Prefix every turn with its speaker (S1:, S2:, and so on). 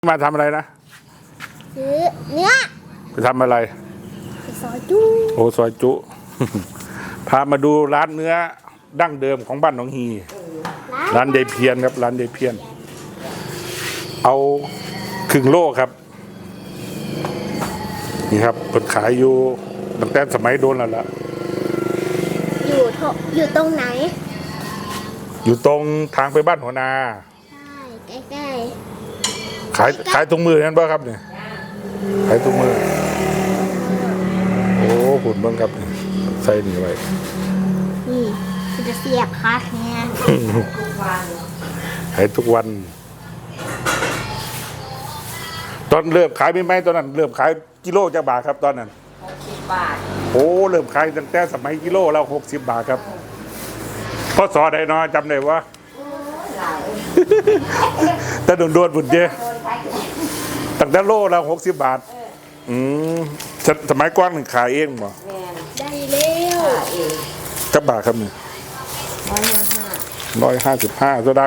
S1: มาทำอะไรนะ
S2: ซื้อเนื้อ
S1: ไปทำอะไร
S2: ไปซอยจุ
S1: โอ้ซอยจุ พามาดูร้านเนื้อดั้งเดิมของบ้านหนองฮีร้านยายเพียนครับร้านยายเพียนเอาครึ่งโลครับนี่ครับเปิดขายอยู่ตั้งแต่สมัยโดนแล้วล่ะ
S2: อยู่ตรงไหน
S1: อยู่ตรงทางไปบ้านหัวนา
S2: ใช่ใกล้
S1: ขายตรงมือนั่นป่ะครับเนี่ยขายตรงมือโอ้หุ่นบ้างครับเนี่ยใส่นี่ไว้
S2: นี่จะเสียบคัสเนี่ย
S1: ขายทุกวันตอนเริ่มขายไม่ไหมตอนนั้นเริ่มขายกิโลจะบาทครับตอนนั้น
S3: 60 บาท
S1: โอ้เริ่มขายตั้งแต่สมัยกิโลแล้ว60 บาทครับพศใดเนาะจำได้ว่าแต่โดนบุญเจตั้งแต่โลแล้ว60 บาทสมัยก่อนขายเองบ่
S2: ได้เร็ว
S1: จับบาทครับเนี่ย155โซดา